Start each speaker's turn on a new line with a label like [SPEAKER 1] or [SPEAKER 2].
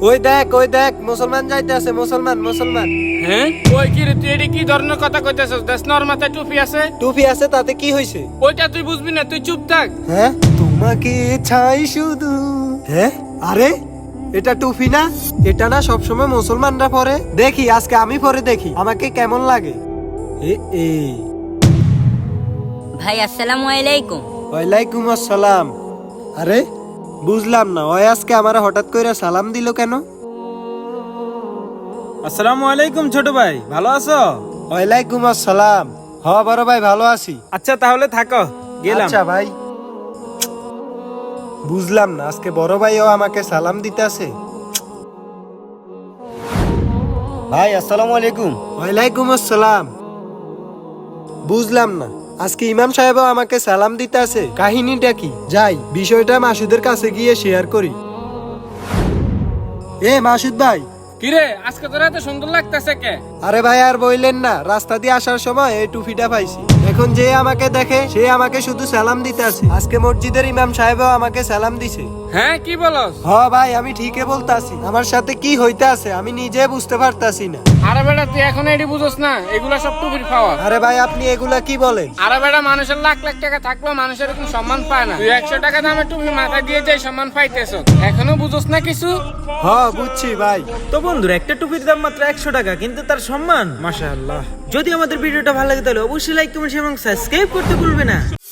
[SPEAKER 1] ওই দেখ মুসলমান যাইতেছে, মুসলমান।
[SPEAKER 2] হ্যাঁ ওই কি রে, তুই এডি কি ধরনের কথা কইতেছস? দেশ নর মাথায় টুপি আছে।
[SPEAKER 1] টুপি আছে তাতে কি হইছে?
[SPEAKER 2] ওইটা তুই বুঝবি না, তুই চুপ থাক।
[SPEAKER 1] হ্যাঁ তোমাকে ছাই শুধু। হ্যাঁ আরে এটা টুপি না? এটা না সবসময় মুসলমানরা পরে? দেখি আজকে আমি পরে দেখি আমাকে কেমন লাগে। এ
[SPEAKER 3] ভাই আসসালামু আলাইকুম।
[SPEAKER 1] ওয়ালাইকুম আসসালাম। আরে বুঝলাম না, ওই আজকে আমার হঠাৎ করে সালাম দিল কেন?
[SPEAKER 4] আসসালামু আলাইকুম ছোট ভাই, ভালো আছো?
[SPEAKER 1] ওয়ালাইকুম আসসালাম। বড় ভাই ভালো আছি।
[SPEAKER 4] আচ্ছা তাহলে থাকো, গেলাম।
[SPEAKER 1] আচ্ছা ভাই। বুঝলাম না, আজকে বড় ভাইও আমাকে সালাম দিতেছে।
[SPEAKER 5] ভাই আসসালামু আলাইকুম।
[SPEAKER 1] ওয়ালাইকুম আসসালাম। বুঝলাম না, আজকে ইমাম সাহেবও আমাকে সালাম দিতেছে, কাহিনীটা কি? যাই বিষয়টা মাসুদের কাছে গিয়ে শেয়ার করি। মাসুদ ভাই।
[SPEAKER 2] কিরে আজকে তোর এত সুন্দর লাগতেছে কে?
[SPEAKER 1] আরে ভাই আর বইলেন না, রাস্তা দিয়ে আসার সময় এই টুপিটা পাইছি। এখন যে আমাকে দেখে সে আমাকে শুধু সালাম দিতে আছে। আজকে মসজিদের ইমাম সাহেবও আমাকে সালাম দিছে।
[SPEAKER 2] হ্যাঁ কি বলস?
[SPEAKER 1] ভাই আমি ঠিকই বলতাছি, আমার সাথে কি হইতে আছে আমি নিজে বুঝতে পারতাছি না।
[SPEAKER 2] আরে বেটা তুই এখন এডি বুঝছ না, এগুলা সব টুপির পাওয়া।
[SPEAKER 1] আরে ভাই আপনি এগুলা কি বলেন?
[SPEAKER 2] আরে বেটা মানুষের লাখ লাখ টাকা থাকলেও মানুষের এরকম সম্মান পায় না। তুই 100 টাকা দামের টুপি মাথায় দিয়ে যাই সম্মান পাইতেছ, এখনো বুঝছ না কিছু?
[SPEAKER 1] বুঝছি ভাই।
[SPEAKER 4] তো বন্ধুরা, একটা টুপির দাম মাত্র 100 টাকা, কিন্তু তার সম্মান মাশাআল্লাহ। যদি আমাদের ভিডিওটা ভালো লাগে তাহলে অবশ্যই লাইক কমেন্ট এবং সাবস্ক্রাইব করতে ভুলবে না।